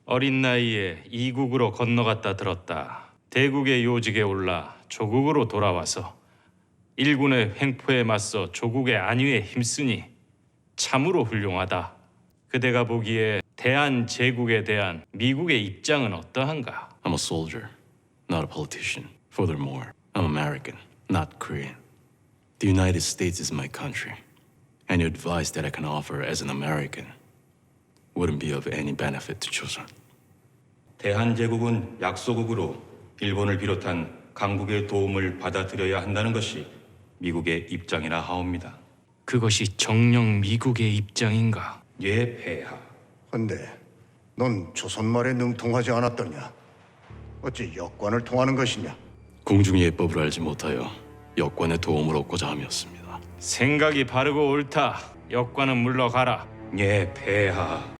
어린 나이에 이국으로 건너갔다 들었다. 대국의 요직에 올라 조국으로 돌아와서 일군의 횡포에 맞서 조국의 안위에 힘쓰니 참으로 훌륭하다. 그대가 보기에 대한제국에 대한 미국의 입장은 어떠한가? I'm a soldier, not a politician. Furthermore, I'm American, not Korean. The United States is my country. Any advice that I can offer as an American wouldn't be of any benefit to Joseon. 대한제국은 약소국으로 일본을 비롯한 강국의 도움을 받아들여야 한다는 것이 미국의 입장이라 하옵니다. 그것이 정녕 미국의 입장인가? 예, 폐하. 근데 넌 조선말에 능통하지 않았더냐? 어찌 역관을 통하는 것이냐? 공중의 예법을 알지 못하여 역관의 도움을 얻고자 함이었습니다. 생각이 바르고 옳다. 역관은 물러가라. 예, 폐하.